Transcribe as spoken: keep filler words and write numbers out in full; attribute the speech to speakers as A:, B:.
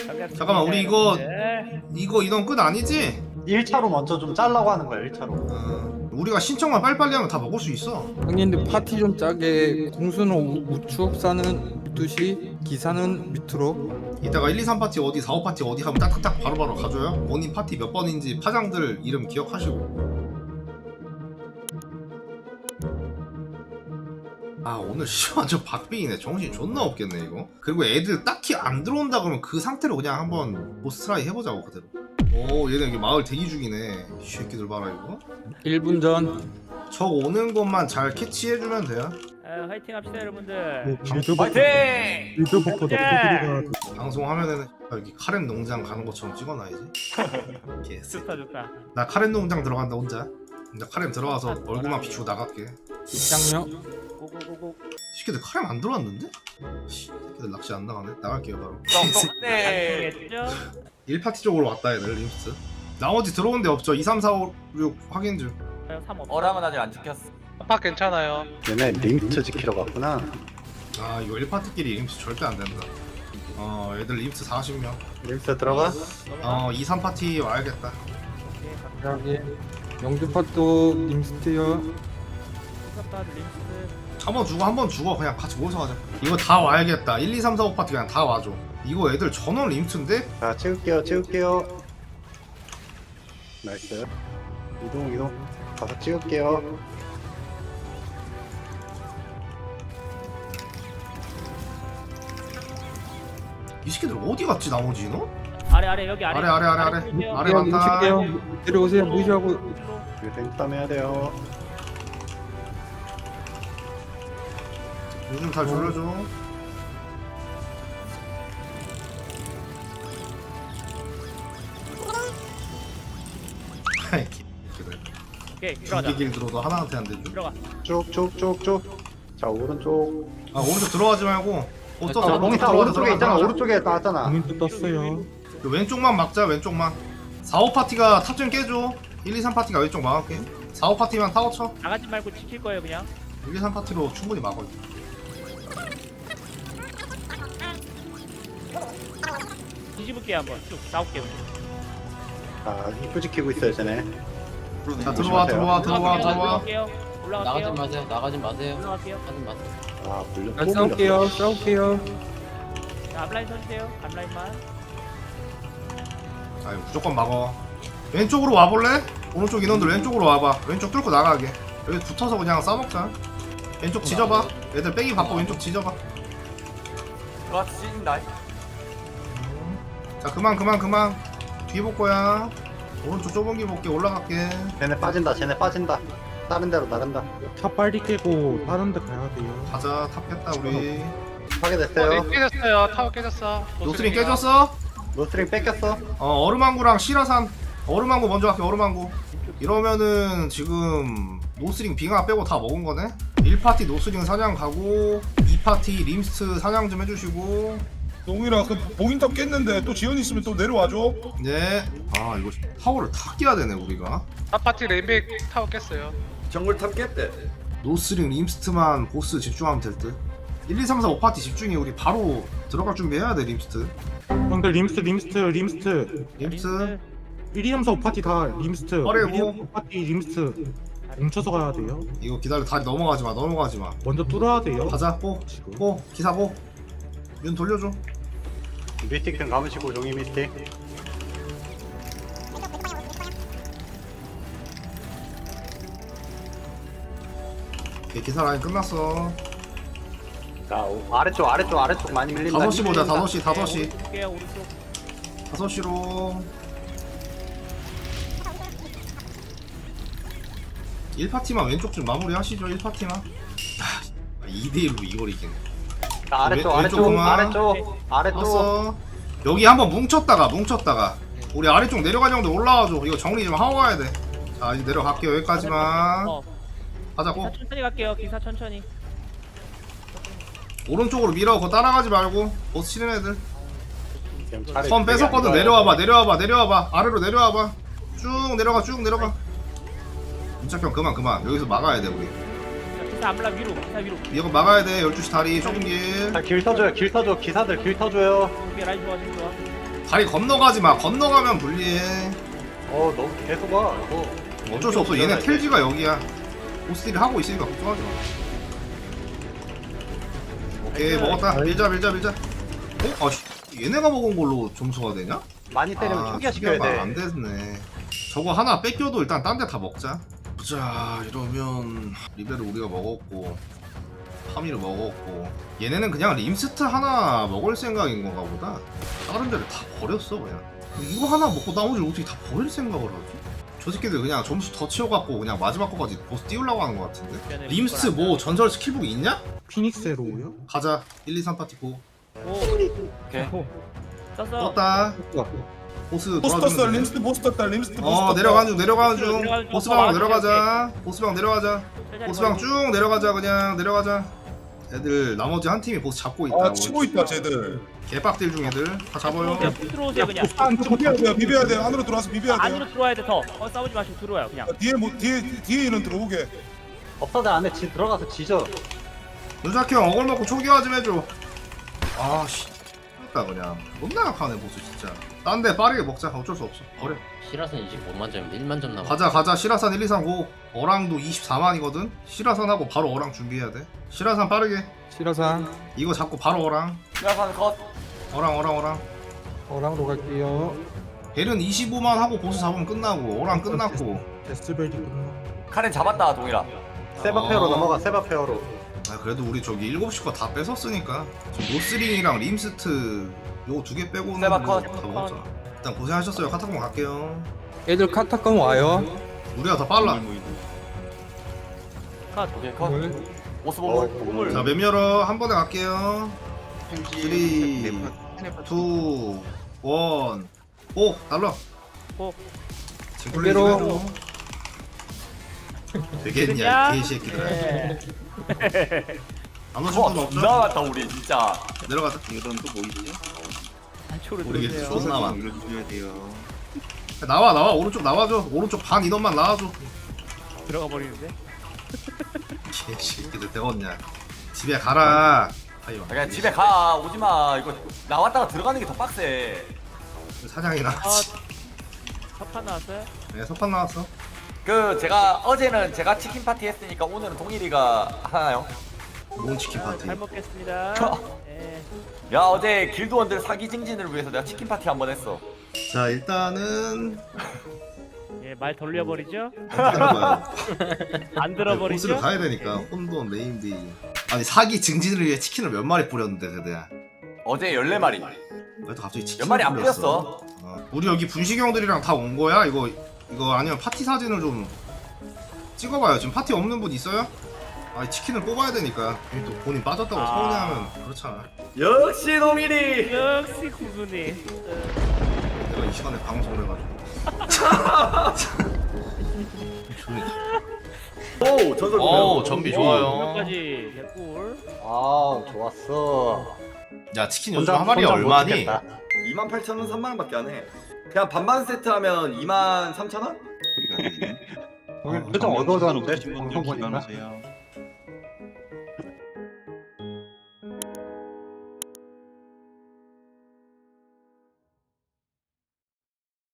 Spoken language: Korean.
A: 잠깐만 우리 이거 이거 인원 끝 아니지?
B: 일 차로 먼저 좀 짜려고 하는 거야. 일 차로.
A: 어, 우리가 신청만 빨리빨리 하면 다 먹을 수 있어.
C: 형님들 파티 좀 짜게. 공수는 우- 우측사는 열두 시, 기사는 밑으로.
A: 이따가 일, 이, 삼 파티 어디, 사, 오 파티 어디 하면 딱딱딱 바로바로 가줘요. 본인 파티 몇 번인지 파장들 이름 기억하시고. 아 오늘 씨 완전 박빙이네. 정신 존나 없겠네 이거. 그리고 애들 딱히 안 들어온다 그러면 그 상태로 그냥 한번 보스 트라이 해보자고 그대로. 오 얘네 여기 마을 대기 중이네. 이 새끼들 봐라 이거.
C: 일 분 전.
A: 적 오는 것만 잘 캐치해주면 돼요.
D: 아, 화이팅 합시다 여러분들.
E: 화이팅!
C: 빌드버퍼
A: 방송화면에는 여기 카렌 농장 가는 것처럼 찍어놔야지. 개쎄.
D: 좋다 좋다.
A: 나 카렌 농장 들어간다 혼자. 나 카렌 들어가서 얼굴만 비추고 나갈게.
C: 입장료.
D: 고고고고.
A: 새끼들 카렌 안 들어왔는데? 씨, 새끼들 낚시 안 나가네. 나갈게요 바로.
E: 네.
D: 알겠죠?
A: 일 파티 쪽으로 왔다 얘들 림스. 나머지 들어온 데 없죠. 이, 삼, 사, 오, 육 확인 중.
D: 삼 없어.
E: 어랑은 아직 안 지켰어.
F: 아빠 괜찮아요.
B: 얘네 링트 지키러 갔구나.
A: 아 이거 일 파티끼리 림스 절대 안 된다. 어 애들 림스 사십 명.
B: 링트 들어가.
A: 어 이, 삼 파티 와야겠다.
C: 여기 영주팟도 님스트요.
D: 똑같다 림스.
A: 한 번 죽어 한 번 죽어 그냥 같이 모여서 가자. 이거 다 와야겠다. 일, 이, 삼, 사, 오 파티 그냥 다 와줘. 이거 애들 전원 림스인데?
B: 자 찍을게요. 찍을게요. 나이스. 이동 이동. 가서 찍을게요.
A: 이 새끼들 어디 갔지 나머지 너?
D: 아래 아래 여기 아래.
A: 아래 아래 아래 아래
D: 보세요.
A: 아래 많다.
C: 뭉칠게요. 내려오세요. 무시하고.
B: 이거 땡땀 해야 돼요.
A: 요즘 잘 졸려줘. 아이 개새끼들.
D: 오케이 들어가자.
A: 두개 길 들어도 하나한테 안 되죠?
D: 들어가.
B: 쭉쭉쭉쭉. 자 오른쪽.
A: 아 오른쪽 들어가지 말고 어쩌
B: 자 몽이 다 오른쪽에 있잖아. 오른쪽에 나왔잖아.
C: 공인도 떴어요.
A: 그 왼쪽만 막자 왼쪽만. 사, 오 파티가 탑 좀 깨줘. 일, 이, 삼 파티가 왼쪽 막을게. 사, 오 파티만 타워 쳐.
D: 나가지 말고 지킬 거예요 그냥.
A: 일, 이, 삼 파티로 충분히 막어.
D: 뒤집을게 한번 쭉 나올게.
B: 아 입구 지키고 있어요 쟤네.
A: 자 들어와 들어와 들어와 들어와.
D: 올라갈게요. 올라갈게요.
G: 나가지 마세요. 나가지 마세요.
D: 올라갈게요.
G: 하지 마세요.
B: 아 물려.
C: 잘 싸울게요. 싸울게요.
D: 자 앞라인 서주세요. 앞라인만.
A: 아 이거 무조건 막어. 왼쪽으로 와볼래? 오른쪽 인원들 왼쪽으로 와봐. 왼쪽 뚫고 나가게. 여기 붙어서 그냥 싸먹자. 왼쪽 지져봐. 애들 빼기 바빠. 왼쪽 지져봐.
E: 그렇지 찢는다.
A: 자 그만 그만 그만. 뒤에 볼 거야. 오른쪽 좁은 길 볼게. 올라갈게.
B: 쟤네 빠진다. 쟤네 빠진다. 다른 데로 나간다.
C: 차 빨리 깨고 다른 데 가야 돼요.
A: 가자. 탑 깼다 우리.
B: 파괴됐어요.
F: 네, 깨졌어요. 타워 깨졌어.
A: 노스링 깨졌어?
B: 노스링 뺏겼어.
A: 어 얼음왕구랑 시라산. 얼음왕구 먼저 갈게. 얼음왕구. 이러면은 지금 노스링 빙하 빼고 다 먹은 거네? 일 파티 노스링 사냥 가고 이 파티 림스트 사냥 좀 해주시고.
H: 동일아 그 봉인탑 깼는데 또 지연 있으면 또 내려와줘.
A: 네. 아 이거 타워를 다 깨야 되네 우리가.
F: 아파트 레인백 타워 깼어요.
E: 정글탑 깼대.
A: 노스링 림스트만 보스 집중하면 될 듯. 일, 이, 삼, 사, 오 파티 집중해. 우리 바로 들어갈 준비해야 돼 림스트.
I: 형들 림스트 림스트 림스트
A: 림스트.
I: 일, 이, 삼, 사, 오 파티 다 림스트
A: 어레고.
I: 일, 이, 삼, 사, 오 파티 림스트 뭉쳐서 가야 돼요.
A: 이거 기다려. 다리 넘어가지 마. 넘어가지 마.
I: 먼저 뚫어야 돼요.
A: 가자. 고.
I: 지금.
A: 고. 기사 고. 윤 돌려줘.
B: 미스틱 좀 감으시고 종이 미스틱.
A: 오케이, 기사 라인 끝났어.
B: 자 오, 아래쪽 아래쪽 아래쪽 많이 밀린다.
A: 다섯 시 보자.
B: 밀린다.
A: 다섯 시 다섯 시.
D: 볼게요 오른쪽.
A: 다섯 시로. 일 파티만 왼쪽 좀 마무리 하시죠. 일 파티만. 이 대 일로 이걸 이기네.
B: 자, 아래쪽
A: 왼-
B: 아래쪽
A: 왼쪽만.
B: 아래쪽 아래쪽.
A: 왔어. 여기 한번 뭉쳤다가 뭉쳤다가 우리 아래쪽 내려간 형들 올라와줘. 이거 정리 좀 하고 가야 돼. 자 이제 내려갈게요. 여기까지만.
D: 어.
A: 가자고.
D: 기사 천천히 갈게요. 기사 천천히.
A: 오른쪽으로 밀어. 그거 따라가지 말고. 보스 치는 애들.
B: 지금 차례
A: 선
B: 되게
A: 뺏었거든.
B: 안 좋아요.
A: 내려와봐. 내려와봐. 내려와봐. 아래로 내려와봐. 쭉 내려가. 쭉 내려가. 문착형 그만 그만. 여기서 막아야 돼 우리.
D: 자, 기사 앞라 위로. 기사 위로.
A: 이거 막아야 돼. 열두 시 다리 좁은 길.
B: 자, 길 터줘요. 길 터줘. 기사들 길 터줘요.
D: 오케이 라인 좋아 지금 좋아.
A: 다리 건너가지 마. 건너가면 불리해.
B: 어 너무 계속 와 이거.
A: 어쩔 수 없어. 얘네 텔지가 여기야. 보스들이 하고 있으니까 걱정하지 마. 오케이 먹었다. 밀자 밀자 밀자. 어? 아씨 얘네가 먹은 걸로 점수가 되냐?
B: 많이 때리면
A: 아,
B: 초기화시켜야
A: 초기화가
B: 돼.
A: 안 됐네. 저거 하나 뺏겨도 일단 딴 데 다 먹자. 자 이러면 리베를 우리가 먹었고 파미를 먹었고 얘네는 그냥 림스트 하나 먹을 생각인 건가 보다. 다른 데를 다 버렸어 그냥. 이거 하나 먹고 나머지를 어떻게 다 버릴 생각을 하지? 저 새끼들 그냥 점수 더 치워갖고 그냥 마지막 거까지 보스 띄우려고 하는 것 같은데? 림스트 뭐 전설 스킬북 있냐?
I: 피닉스로요?
A: 가자. 일, 이, 삼 파티 고.
D: 오.
E: 오케이.
D: 썼어.
A: 떴다. 보스
H: 보스
A: 돌아주면
H: 떴어
A: 되네.
H: 림스트 보스 떴다 림스트 보스
A: 어
H: 떴다.
A: 내려가는 중 내려가는 중
D: 내려가는 중.
A: 보스방
D: 어,
A: 내려가자. 보스방 내려가자.
D: 천천히
A: 보스방
D: 거리.
A: 쭉 내려가자. 그냥 내려가자. 애들 나머지 한 팀이 보스 잡고 있다.
H: 아 치고 있다 쟤들.
A: 개빡딜 중 애들 다 잡아요.
D: 들어오세요. 들어오세요 그냥.
H: 비벼야 돼요 비벼야 돼요 안으로 들어와서 비벼야 돼요.
D: 안으로 들어와야 돼 더. 어 싸우지 마시고 들어와요 그냥.
H: 뒤에 뭐 뒤에 뒤에는 들어오게.
B: 업사들 안에 지 들어가서 지져.
A: 누자키 형 어글 먹고 초기화 좀 해줘. 아씨 다 그냥 존나 약하네 보스 진짜. 딴 데 빠르게 먹자. 어쩔 수 없어. 버려.
G: 시라선 이십오만 점인데 일만 점 남아.
A: 가자 가자. 시라산 일, 이, 삼, 고. 어랑도 이십사만이거든. 시라산하고 바로 어랑 준비해야 돼. 시라산 빠르게.
C: 시라산
A: 이거 잡고 바로 어랑.
E: 시라산 컷.
A: 어랑 어랑 어랑.
C: 어랑도 갈게요.
A: 벨은 이십오만 하고 보스 잡으면 끝나고 어랑 끝났고.
I: 데스벨이 끝나.
E: 카렌 잡았다 동일아.
B: 세바 페어로
A: 어.
B: 넘어가. 세바 페어로.
A: 아 그래도 우리 저기 일곱 시 거 다 뺏었으니까 지금 노스링이랑 림스트 요거 두 개 빼고는
E: 세바
A: 뭐
E: 컷.
A: 다 먹었잖아. 일단 고생하셨어요. 카타콤 갈게요.
C: 애들 카타콤 와요.
A: 우리가 더 빨라.
D: 컷.
E: 오케이 컷.
C: 물.
E: 오스
B: 어,
E: 보물.
B: 보물.
A: 자 맵 열어. 한 번에 갈게요. 삼, 이, 일. 오 날라.
D: 오.
A: 징클레이
C: 그대로.
A: 해줘. 되겠냐 이 개새끼들아.
D: 네.
A: 안 오실
E: 와
A: 분 없죠?
E: 존나 많다 우리 진짜.
A: 내려가자.
D: 안쪽으로
A: 우리
D: 들어오세요.
A: 존나 많아. 나와 나와 오른쪽 나와줘. 오른쪽 반 인원만 나와줘.
D: 들어가 버리는데.
A: 개새끼들 되겠냐. 집에 가라. 아이고.
E: 그냥 집에 가 오지마. 이거 나왔다가 들어가는 게 더 빡세.
A: 사냥이 나왔지.
D: 첫판 나왔어요?
A: 네 석판 나왔어.
E: 그 제가 어제는 제가 치킨 파티 했으니까 오늘은 동일이가 하나요?
A: 몬치킨 파티.
D: 잘 먹겠습니다. 네.
E: 야 어제 길드원들 사기 증진을 위해서 내가 치킨 파티 한 번 했어.
A: 자 일단은
D: 예, 말 돌려버리죠?
A: 들어봐요.
D: 안
A: 보스를
D: 들어버리죠?
A: 가야 되니까 혼돈 네임디. 아니 사기 증진을 위해 치킨을 몇 마리 뿌렸는데 세대야.
E: 어제 열네 마리.
A: 왜 또 갑자기 치킨?
E: 몇 마리 안 뿌렸어.
A: 어. 우리 여기 분식이 형들이랑 다 온 거야? 이거 이거 아니면 파티 사진을 좀 찍어봐요. 지금 파티 없는 분 있어요? 아 치킨을 뽑아야 되니까 괜히 또 본인 빠졌다고
D: 아.
A: 서운해하면 그렇잖아.
E: 역시 동일이.
D: 역시 구분이.
A: 내가 이 시간에 방송을 해가지고. 조용히.
B: 오 전설.
A: 어우 전비 좋아요.
D: 까지 개꿀.
B: 아 좋았어.
A: 야 치킨 요즘 한 마리 얼마니?
E: 이만 팔천 원, 삼만 원밖에 안 해. 그냥 반반 세트 하면 이만 삼천 원?
I: 표정 어두워졌는데? 방송 보니까?